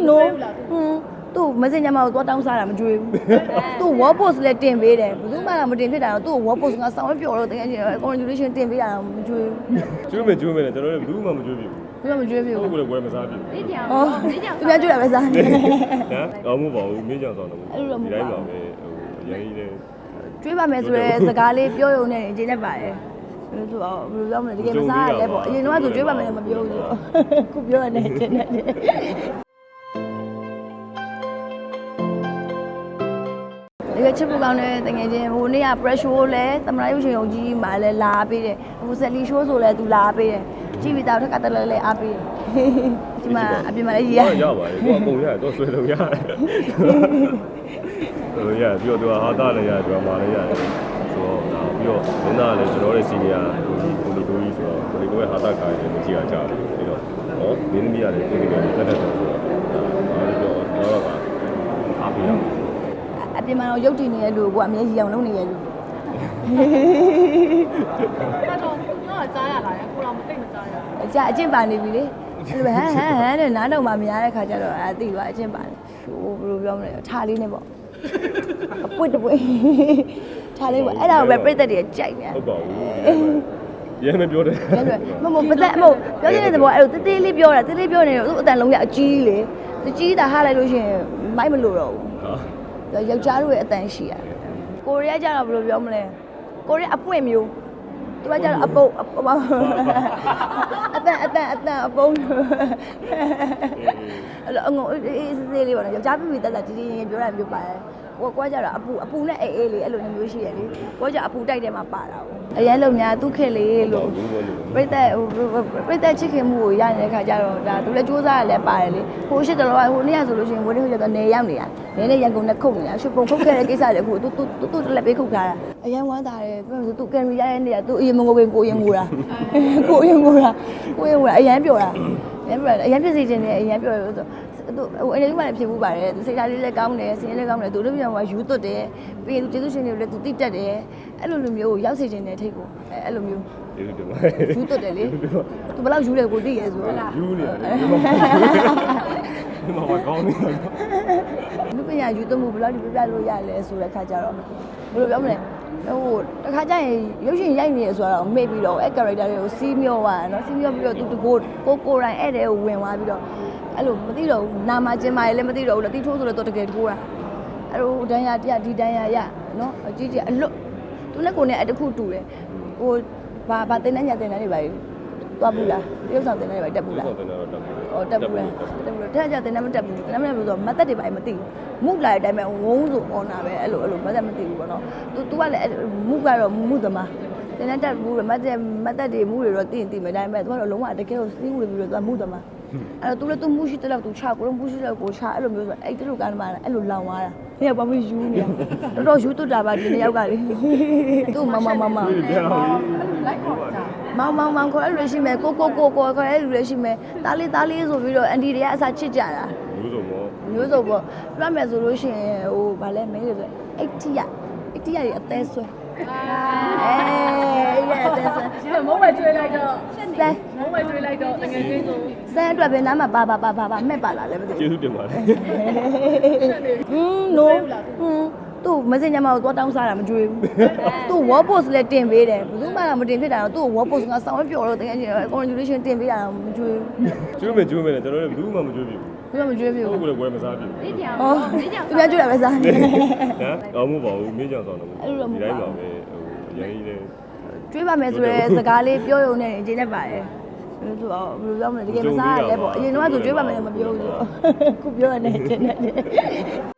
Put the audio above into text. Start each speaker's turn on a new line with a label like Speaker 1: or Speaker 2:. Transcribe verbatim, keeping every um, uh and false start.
Speaker 1: no သူ့မစင်ညမှာတော့တောင်းစားတာမကြွေးဘူးသူ့ wall post လည်းတင်ပေးတယ်ဘယ်သူမှမတင်ဖြစ်တာတော့သူ့ wall post ကဆောင်းပျော်တော့တကယ်ကြီး congratulation တင်ပေးတာတော့မကြွေးဘူး
Speaker 2: ကျွေးမယ်ကျွေးမယ်ကျွန်တော်လည်းဘူးမှမကျွေးပြဘူး
Speaker 1: ဘယ်မှမကြွေးဘူး
Speaker 2: ကိုယ်လည်းဝယ်မစားပြဘူး
Speaker 3: လေးကြောင်
Speaker 1: ဟောသူများကြွေးတာပဲစားနေ
Speaker 2: ဟမ်ကောင်းမှုပါဘူးမင်းကြောင်ဆောင်တော့ဒီတိုင်းပါပဲဟိုရန်ကြီးလည်း
Speaker 1: ကြွေးပါမယ်ဆိုရဲစကားလေးပြောရုံနဲ့အကျဉ်းနဲ့ပါတယ်ဘယ်လိုဆိုတော့ဘယ်လိုပြောမလဲတကယ်မစားရလဲပေါ့အရင်တော့ဆိုကြွေးပါမယ်လည်းမပြောဘူးဆိုတော့ခုပြောရတဲ့အကျဉ်းနဲ့ဒီကချစ်ပူကောင်းတဲ့တကယ်ချင်းဟိုနေ့က pressure လဲသမရာရုပ်ရှင်ရုံကြီးမှာလဲလာပေးတယ်ဟိုဆက်လီ show ဆိုလဲသူလာပေးတယ်ကြည့်ပြီးတော့ထက်ကတလဲလဲအားပေးတယ်ဒီမှာအပြင်မှာလည်းရရ
Speaker 2: ရပါတယ်ကိုအကုန်ရတယ်တော့ဆွဲလို့ရတယ်ဟိုရပြီးတော့ဟာတာလည်းရတယ်ဒရာမာလည်းရတယ်ဆိုတော့ဒါပြီးတော့မင်းသားလည်းကျွန်တော်ရဲ့စီနီယာကိုဒီကိုလီတိုကြီးဆိုတော့ကိုလီတိုရဲ့ဟာတာကားလည်းမကြည့်ရကြဘူးပြီးတော့ဟောမင်းသမီးရတယ်ကိုလီတိုတက်တက်ဆိုတော့ဒါလည်းပြောတော့ကအားပေးရအောင်
Speaker 1: အပြင်မှာတော့ရုပ်တည်နေတဲ့လူကအမြဲကြီးအောင်လုပ်နေရလူ
Speaker 3: တော့တော့ကြားရလာတယ်ကိုတော့မသိမကြားရ
Speaker 1: အကြအကျင့်ပါနေပြီလေအဲ့လိုဟမ်ဟမ်ဟမ်တဲ့နားတော့မှမရတဲ့ခါကျတော့အဲသိသွားအကျင့်ပါတယ်ဟိုဘယ်လိုပြောမလဲထားလေးနဲ့ပေါ့အပွတ်တပွတ်ထားလေးပေါ့အဲ့ဒါကိုပဲပြည့်သက်တွေကြိုက်နေ
Speaker 2: ဟုတ်ပါဘူးရဲမပြောတယ်
Speaker 1: မမပသက်မဟုတ်ပြောချင်တဲ့သဘောအဲ့လိုတေးသေးလေးပြောတာတေးသေးပြောနေတော့သူ့အတန်လုံးရအကြီးလေသူကြီးတာဟားလိုက်လို့ရှိရင်မိုက်မလို့တော့ဘူးယောက်ျားတို့ရဲ့အတန်ရှိရတယ်ကိုရီးယားကျတော့ဘယ်လိုပြောမလဲကိုရီးယားအပွင့်မျိုးသူကကျတော့အပုတ်အတန်အတန်အတန်အပုံးအဲ့လိုအငုံအေးစေးလေးပေါ့နော်ယောက်ျားပြပြတက်တက်တီးတီးငယ်ပြောတာမျိုးပါတယ်ကိုကွာကြတော့အပူအပူနဲ့အေးအေးလေးအဲ့လိုမျိုးရှိရလေကိုကြအပူတိုက်တယ်မှာပါတာပေါ့အရင်လုံများသူ့ခေတ်လေးလို့ပြိသက်ဟိုပြိသက်ချစ်ခင်မှုကိုရနေတဲ့ခါကျတော့ဒါသူလည်းစူးစမ်းရလဲပါတယ်လေဟိုရှိတယ်လို့ဟိုနေ့ကဆိုလို့ရှိရင်ဝင်းနေဟိုကျတော့နေရောက်နေတာနေနဲ့ရန်ကုန်နဲ့ခုတ်နေတာရွှေပုံခုတ်ခဲ့တဲ့ကိစ္စတွေအခုသူသူသူသူလက်ပေးခုတ်ထားတာအရင်ဝမ်းသာတယ်ပြောလို့သူကင်မရာရတဲ့နေရာသူအရင်မငိုပင်ကိုရင်ငိုတာကိုရင်ငိုတာကိုရင်ငိုတာအရင်ပြောတာအရင်ပြောတာအရင်ဖြစ်စီခြင်းနဲ့အရင်ပြောလို့သူဟိုအနေလေးမှလည်းဖြစ်ဘူးပါတယ်သူစိတ်ဓာတ်လေးလည်းကောင်းတယ်စင်ရေးလည်းကောင်းတယ်သူတို့ပြန်ကယူသွတ်တယ်ပြီးရင်သူကျေးဇူးရှင်တွေကိုလည်းသူတိတက်တယ်အဲ့လိုလိုမျိုးရောက်စေခြင်းနဲ့ထိတ်ကိုအဲ့လိုမျိုး
Speaker 2: ကျေးဇူးတင်ပါတယ်
Speaker 1: ယူသွတ်တယ်လေသူဘယ်လောက်ယူလဲကိုသိရဲဆိုတော့
Speaker 2: ယူနေတယ်ဒီမှာကောင်းနေတယ်
Speaker 1: လူပညာယူသွတ်မှုဘယ်လောက်ဒီပြပြလို့ရလဲဆိုတဲ့ခါကျတော့ဘယ်လိုပြောမလဲဟိုတခါကျရင်ရုပ်ရှင်ရိုက်နေရဆိုတော့မေ့ပြီးတော့အဲ့ character တွေကိုစီးမျောသွားတယ်နော်စီးမျောပြီးတော့သူတကိုကိုကိုတိုင်းအဲ့တဲ့ကိုဝင်သွားပြီးတော့အဲ့လိုမသိတော့ဘူးနာမကျင်မာရေးလည်းမသိတော့ဘူးလက်တီထိုးဆိုတော့တကယ်ထိုးတာအဲ့လိုဒန်းရတရဒီဒန်းရရနော်အကြီးကြီးအလွတ်သူနဲ့ကိုနဲ့အတခုတူတယ်ဟိုဘာဘာတင်တဲ့ညာတင်တဲ့တွေပါသွားဘူးလားရုပ်ဆောင်တင်တဲ့တွေပါတက်ဘူးလား
Speaker 2: ဟုတ်တယ်တော့တက်ဘူး
Speaker 1: ဟောတက်ဘူးလားတက်ဘူးတဲ့ကြတင်တဲ့မတက်ဘူးတင်တဲ့မတက်ဘူးဆိုတော့မသက်တွေပါမသိဘူးမုလာတဲ့အတိုင်းပဲဝုန်းဆိုအော်နာပဲအဲ့လိုအဲ့လိုမသက်မသိဘူးပေါ့နော် तू तू ကလည်းမုကတော့မုသမားတင်တဲ့တက်ဘူးမသက်မသက်တွေမုတွေတော့သိရင်သိမယ်ဒါပေမဲ့ तू ကတော့လုံးဝတကယ်ကိုစီးဝင်ပြီးတော့ तू မုသမားအဲ့တော့ तू လည်း तू မုရှိတဲ့လောက် तू ချကိုတော့မုရှိတဲ့ကိုချအဲ့လိုမျိုးဆိုအဲ့တလူကမှအဲ့လိုလောင်သွားတာနေကဘာမှယူနေတော်တော်ယူသွတ်တာပါဒီနှစ်ယောက်ကလေသူ့မမမမ
Speaker 3: လိုက်ခေါ်တာ
Speaker 1: မောင်မောင်မောင်ခေါ်ရလို့ရှိမယ်ကိုကိုကိုကိုခေါ်ရလို့ရှိမယ်တားလေးတားလေးဆိုပြီးတော့အန်တီတွေကအစားချစ်ကြတာ
Speaker 2: မျိုးစုံပေါ့
Speaker 1: မျိုးစုံပေါ့ပြမယ်ဆိုလို့ရှိရင်ဟိုဗာလဲမင်းတွေဆိုအိတ်တီရအိတ်တီရတွေအသေးဆွဲအေးရအသေးဆွဲ
Speaker 3: ဒီမုံဝဲကျွေးလိုက်တော့
Speaker 1: ဆဲ
Speaker 3: မုံဝဲကျွေးလိုက်တော့တကယ်ချင်းဆို
Speaker 1: ဆဲအတွက်ပဲနားမှာပါပါပါပါပါမဲ့ပါလာလဲမသိ
Speaker 2: ကျေးဇူးတင်ပါတယ်
Speaker 1: ဟင်း no ဟင်းသူ့မစင်ညမှာတော့တောင်းစားတာမကြွေးဘူးသူ့ wall post လည်းတင်ပေးတယ်ဘယ်သူမှမတင်ဖြစ်တာတော့သူ့ wall post ကဆောင်းပျော်တော့တကယ်ကြီး congratulation တင်ပေးတာတော့မကြွေးဘူး
Speaker 2: ကျွေးမယ်ကျွေးမယ်ကျွန်တော်လည်းဘူးမှမကျွေးပြဘူး
Speaker 1: ဘယ်မှမကြွေးဘူး
Speaker 2: ကိုယ်လည်းဝယ်မစားပြဘူး
Speaker 3: လေးကြောင်
Speaker 1: ဟော
Speaker 3: လေးကြောင်
Speaker 1: သူများကြွတာပဲစားနေ
Speaker 2: ဟမ်ကောင်းမှုပါဘူးမင်းကြောင်ဆောင်တော့ဒီတိုင်းပါပဲဟိုရန်ကြီးလည်း
Speaker 1: ကြွေးပါမယ်ဆိုရဲစကားလေးပြောရုံနဲ့အကျဉ်းနဲ့ပါတယ်ဘယ်လိုဆိုတော့ဘယ်လိုပြောမလဲတကယ်မစားရလဲပေါ့အရင်တော့ဆိုကြွေးပါမယ်မပြောဘူးဆိုတော့ခုပြောရတဲ့အကျဉ်းနဲ့